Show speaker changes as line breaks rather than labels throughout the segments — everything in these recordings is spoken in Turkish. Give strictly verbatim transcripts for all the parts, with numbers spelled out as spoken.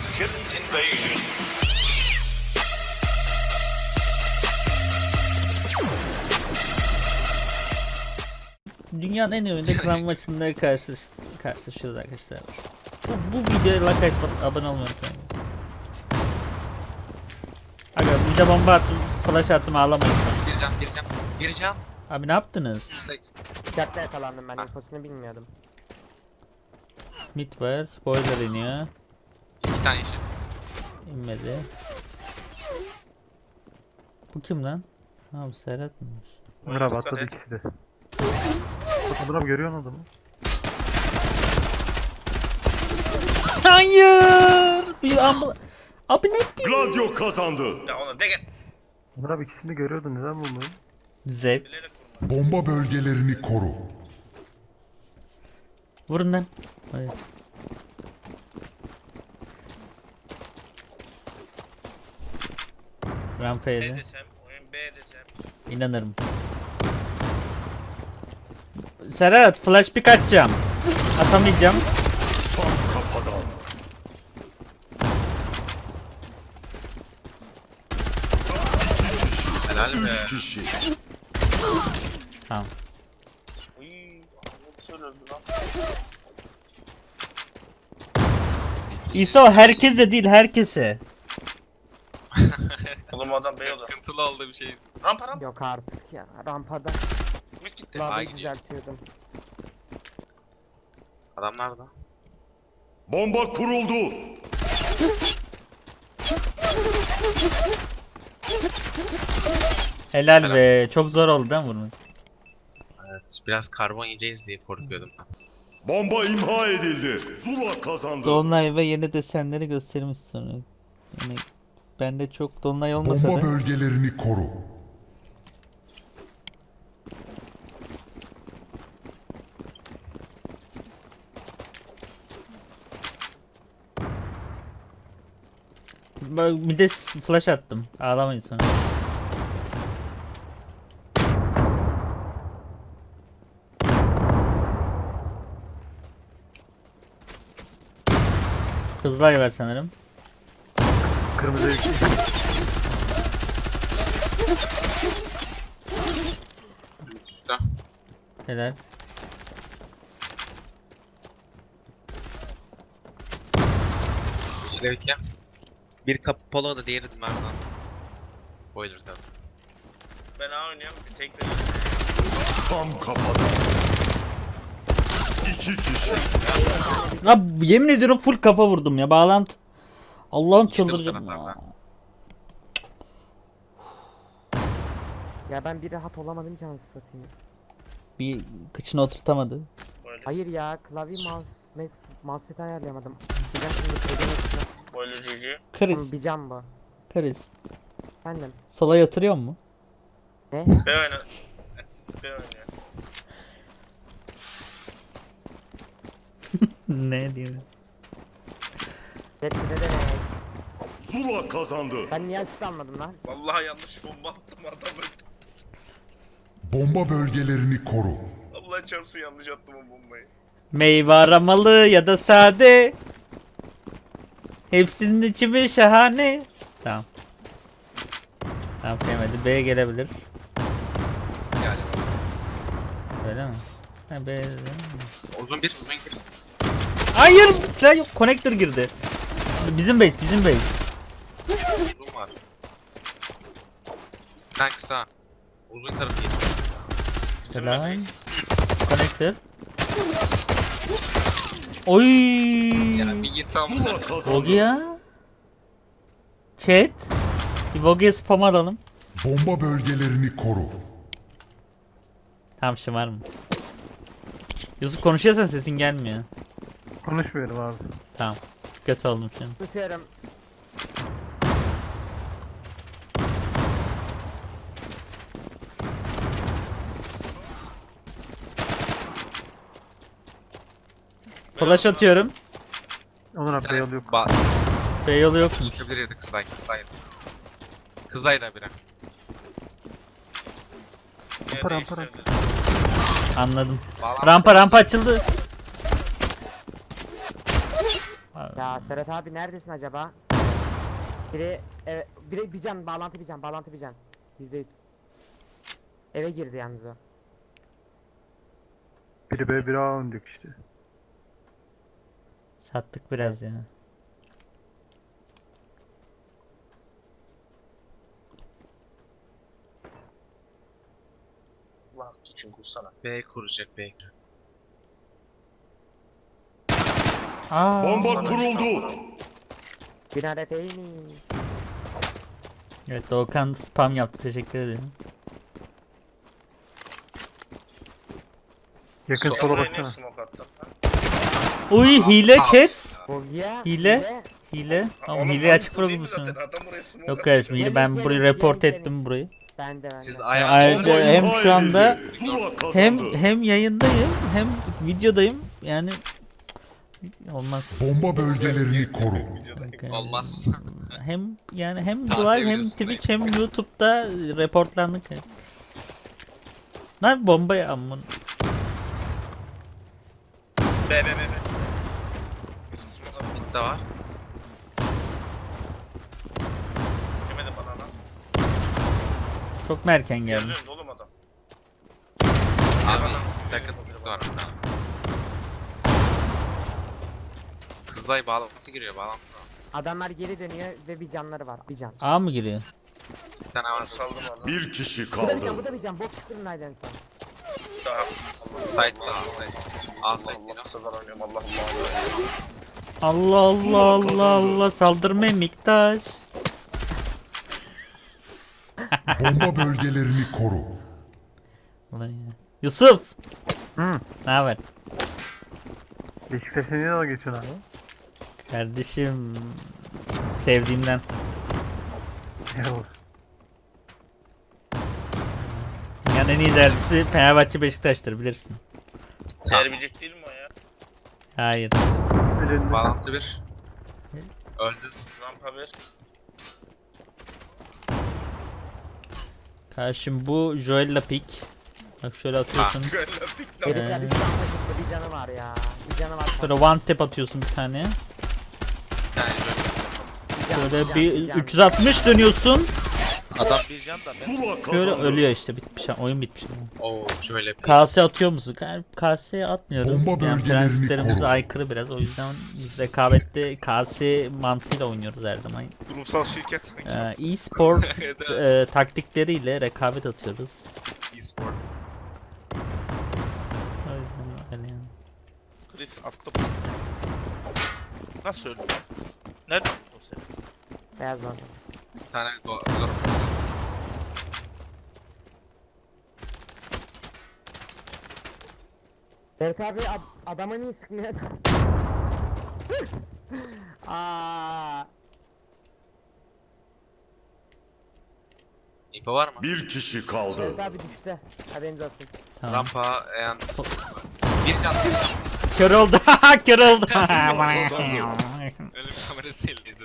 Kids Invasion.
Dünyanın en ünlü klan maçında karşılaş karşılaşıyoruz arkadaşlar. Bu, bu videoya like atıp abone olmayı unutmayın. Aga bir de bomba attım, flash attım, ağlamayın.
Gireceğim, gireceğim, gireceğim.
Abi ne yaptınız?
Çatta yakalandım ben, infosunu bilmiyordum.
Mid var, boiler iniyor.
İki tane yeşil.
İnmedi. Bu kim lan? Ha bu Serhat mıymış?
Ömer abi atladı ikisi de. Ömer abi görüyor musun adamı?
Hayır! Bir ambul... Abi ne ettin?
Gladio kazandı.
Ya onu de gel.
Ömer abi ikisini de görüyordun, neden bulmadın?
Zevk.
Bomba bölgelerini koru.
Vurun lan. Hayır. Rampaydı.
desem, oyun B desem.
İnanırım. Serhat flash pick atacağım. Atamayacağım.
Kafadan.
Helal be.
Üç kişi.
Tamam.
Uy, nasıl öldü lan?
İso herkese değil herkese.
Oğlum adam B oldu. Sıkıntılı oldu bir şey. Rampa rampa.
Yok artık ya, rampada.
Mid gitti. A
Labayı
gidiyor.
düzeltiyordum.
Adam nerede?
Bomba kuruldu.
Helal be. Çok zor oldu değil mi vurmak?
Evet, biraz karbon yiyeceğiz diye korkuyordum ben.
Bomba imha edildi. Zula kazandı.
Dolunay ve yeni desenleri göstermiş sonra. Yani bende çok dolunay olmasa
Bomba
da.
bölgelerini koru.
Bak bir de flash attım. Ağlamayın sonra. Hızlı ay ver sanırım.
Kırmızı iki.
Üstte.
Helal.
İşlerik ya. Bir kapalı da diğeri Merdan. Boiler tabi. Ben A oynuyorum, bir tek de.
Tam kafadan. İki kişi.
Abi yemin ediyorum full kafa vurdum ya. Bağlantı. Allah'ım
İkisi de bu
çıldıracağım ya.
taraflarda.
Ya ben bir rahat olamadım ki anasını satayım.
Bir kıçına oturtamadı.
Hayır ya, klavye mouse, mouse mousepad ayarlayamadım. Bir dakika şimdi klavye yapacağım.
Boiler G G.
Kriz.
Bir can bu.
Kriz.
Efendim.
Sola yatırıyor mu?
Ne?
B oyna. B oyna.
Ne diyeyim?
Red bir de ne?
Zula kazandı.
Ben niye asist almadım lan?
Vallahi yanlış bomba attım adamı.
Bomba bölgelerini koru.
Allah çarpsın yanlış attım o bombayı.
Meyve aramalı ya da sade. Hepsinin içi şahane. Tamam. Tamam sevmedi. B gelebilir.
Yani.
Öyle mi? Ha, B.
Uzun bir, uzun bir.
Hayır! Silah yok. Connector girdi. Bizim base, bizim base.
Uzun var. Ben kısa. Uzun tarafı yedim.
Helal. Connector. Oy!
Ya bir git tam.
Zula kazandı.
Vogue ya. Chat. Bir Vogue'ye spam alalım.
Bomba bölgelerini koru.
Tamam şımar mı? Yusuf konuşuyorsan sesin gelmiyor.
Konuşmuyorum abi.
Tamam. Kötü oldum şimdi.
Tutuyorum.
Flash atıyorum.
Onur abi yol yok.
Ba
B yolu yokmuş.
Çıkabilir yedi kızday, kızdaydı. Kızdaydı biri.
Rampa rampa rampa.
Anladım.
Bağlantı
Rampa rampa açıldı.
Ya Serhat abi neredesin acaba? Biri, e, biri bir can, bağlantı bir can, bağlantı bir can. Yüzde yüz. Eve girdi yalnız o.
Biri B biri A oynayacak işte.
Sattık biraz ya.
Allah için kursana.
B kuracak B.
Aa,
Bomba kuruldu.
Günah efeymi.
evet Doğukan spam yaptı. Teşekkür ederim.
Yakın sola
Oraya niye
baksana.
smoke attın? ha?
Uy hile chat.
Bogya.
Hile. Hile.
Ha,
Oğlum
oğlum,
hile
lan
açık
bu değil mi
bırakmışsın.
zaten? Adam oraya smoke
Yok
attı.
kardeşim hile ben
Gelin,
burayı
gelin,
report
gelin,
ettim burayı.
Ben de ben
Siz
de.
ayağı
Ayrıca
Bomba
hem
imha
şu anda
edildi. Zula kazandı.
hem hem yayındayım hem videodayım. Yani olmaz.
Bomba bölgelerini koru.
Yani
Olmaz.
hem yani hem
Tavsiye
live hem
veriyorsun
Twitch hem YouTube'da reportlandık. Lan bombayı amın.
B B B B. Yusuf smoke attı.
Mid de var.
Yemedi bana lan.
Çok mu erken geldi?
Geldi oğlum adam.
Abi
bana.
sakın mid var. Kızılay bağlantı giriyor bağlantı var.
Adamlar geri dönüyor ve bir canları var. Bir can.
A mı giriyor?
Bir tane
Ben
var.
saldım onu.
Bir kişi
Bu da bir can,
kaldı.
bu da bir can. Bok çıkırın aydan sonra.
Daha.
Site'da A site. A site
Allah
yine.
kadar oynuyorum Allah Allah.
Allah Allah Allah Allah saldırmayın Miktaş.
Bomba bölgelerini koru.
Ulan ya. Yusuf.
Hı.
Ne haber?
Beşiktaş'a niye dalga geçiyorsun abi?
Kardeşim sevdiğimden.
Yok.
Dünyanın en iyi derbisi Fenerbahçe Beşiktaş'tır bilirsin.
Terbiyecek değil mi o ya?
Hayır.
Elinde.
Bağlantı bir. Öldü.
Rampa ver.
Karşım bu Joel'la pik. Bak şöyle atıyorsun.
Şöyle pik lan.
Herifler bir can taşıttı. Bir canı var ya. Bir canı var.
Şöyle one tap atıyorsun bir tane.
Bir tane böyle.
Şöyle bir üç yüz altmış dönüyorsun.
Adam
Bir can da ben.
Zula
Böyle
kazandı.
ölüyor işte bitmiş oyun bitmiş.
Oo şöyle bir.
K S atıyor musun? K S'ye atmıyoruz.
Bomba
Yani
bölgelerini
prensiplerimize
koru.
aykırı biraz. O yüzden biz rekabette K S mantığıyla oynuyoruz her zaman.
Kurumsal şirket sanki.
Ee, e-spor e, taktikleriyle rekabet atıyoruz.
E-sport.
O yüzden öyle yani.
Chris attım. Nasıl öldü? Nereden attın sen?
Beyaz lan.
Bir tane go. go-
Serhat abi ad adama niye sıkmıyor? Aa,
İpo var mı?
Bir kişi kaldı.
Serhat abi düştü. Haberiniz olsun.
Tamam.
Rampa en bir can bir can.
Kör oldu. Kör oldu.
Ölüm kamerasıyla izledim.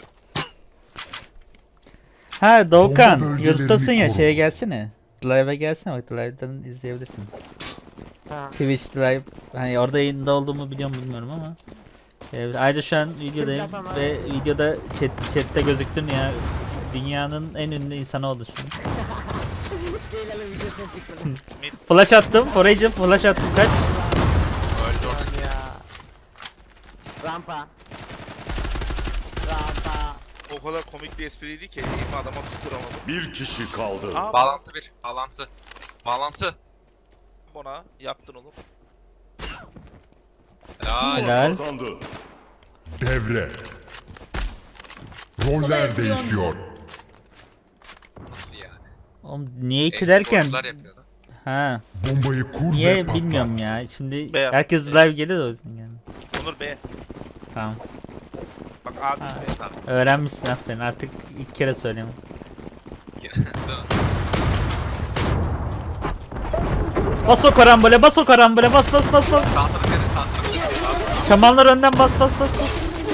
Ha Doğukan,
Bomba bölgelerini
YouTube'dasın ya
koru.
şeye gelsene. Live'a gelsene bak Live'dan izleyebilirsin.
Ha.
Twitch Live hani orada yayında olduğumu biliyor mu bilmiyorum ama. Ee, ayrıca şu an videodayım
Yapamam.
ve videoda chat, chatte gözüktün ya. Dünyanın en ünlü insanı oldu şu an.
Ceylan'ın videosuna çıktım.
Flash attım, Forage flash attım kaç?
Öldü orada.
Lan ya. Rampa. Rampa.
O kadar komik bir espriydi ki elimi adama tutturamadım.
Bir kişi kaldı.
Aa,
Bağlantı bir. Bağlantı. Bağlantı.
Ona yaptın oğlum.
Helal.
Zula
Helal.
kazandı.
Devre. Roller değişiyor.
Nasıl yani?
Oğlum niye iki derken?
E-sporcular yapıyordu.
Ha,
Bombayı kur ve
niye
patlat.
bilmiyorum ya. Şimdi
Be-
herkes live geliyor da o yüzden yani.
Onur B.
Tamam.
Bak abi
Ha.
B.
Öğrenmişsin aferin. Artık ilk kere söyleyeyim. Bas o karambole, bas o karambole, bas bas bas bas.
Sağ tarafı dedi, sağ tarafı dedi. Sağ tarafı.
Şamanlar önden bas bas bas bas.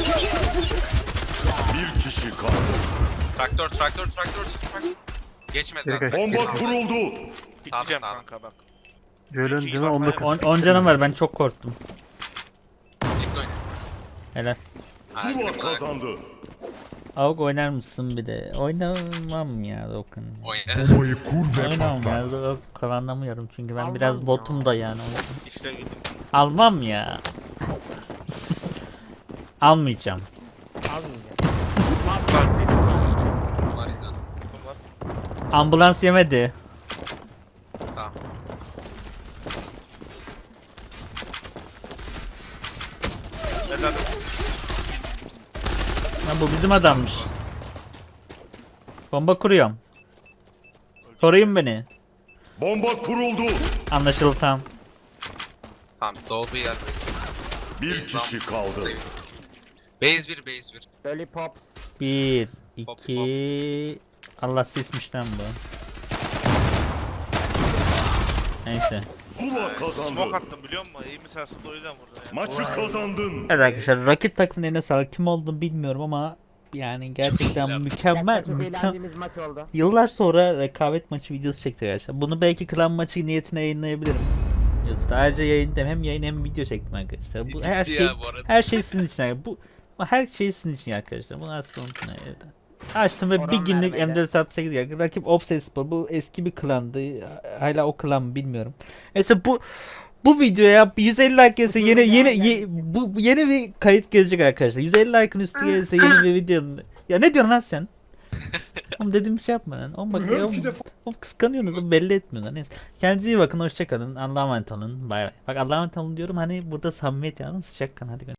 Bir kişi kaldı.
Traktör, traktör, traktör, traktör. Geçmedi
Geri
lan.
kaç.
Bomba kuruldu.
Pikleyeceğim
sağ.
kanka bak.
Joel'ın
İki,
canı
bak,
onda
aynen.
kaldı.
on canım var ben çok korktum.
Bekle oyna.
Helal.
Zula kazandı.
Avuk oynar mısın bir de? Oynamam ya Dokan.
Oynar.
Bombayı kur ve
Oynamam ya.
patlat.
Dok kullanamıyorum çünkü ben
Almam
biraz
ya.
botum da yani. o yüzden.
İşte güldüm.
Almam ya. Almayacağım.
Almayacağım.
Var bir
Var ya.
takım var.
Ambulans yemedi.
Tamam.
Helal.
Ha, bu bizim adammış. Bomba kuruyorum. Koruyun beni.
Bomba kuruldu.
Anlaşıldı tamam.
Tamam doğduğu yer.
Bir kişi kaldı.
Base bir base bir.
Lollipops.
Bir,
Hop,
iki... Allah sesmiş lan bu. Neyse.
Zula kazandı.
Smoke attım biliyor musun? İyi mi sarsıldı o yüzden vurdun ya.
Maçı kazandın.
Evet arkadaşlar rakip takımın eline sağlık. Kim olduğunu bilmiyorum ama yani gerçekten
iyiler.
mükemmel.
Gerçekten çok
mükemmel.
eğlendiğimiz maç oldu.
Yıllar sonra rekabet maçı videosu çektik arkadaşlar. Bunu belki klan maçı niyetine yayınlayabilirim. YouTube'da ayrıca yayın hem yayın hem video çektim arkadaşlar. Bu her
Ciddi
şey
ya bu arada.
her şey sizin için. arkadaşlar. Bu bu her şey sizin için arkadaşlar. Bunu asla unutmayın. Evet. Açtım ve
Oran
bir günlük
vermeyle.
M dört altı sekiz geldi. Rakip Obsespor. Bu eski bir klandı. Hala o klan mı bilmiyorum. Neyse bu bu videoya yüz elli like gelirse yeni yeni ye- bu bu yeni bir kayıt gelecek arkadaşlar. yüz elli like'ın üstü gelirse yeni bir video. Ya ne diyorsun lan sen? Oğlum dediğim bir şey yapma lan. Oğlum bak ya, oğlum, oğlum kıskanıyorsunuz oğlum, belli etmiyorlar. Neyse. Kendinize iyi bakın, hoşça kalın. Allah'a emanet olun. Bay bay. Bak Allah'a emanet olun diyorum hani burada samimiyet yalnız sıcak kan hadi.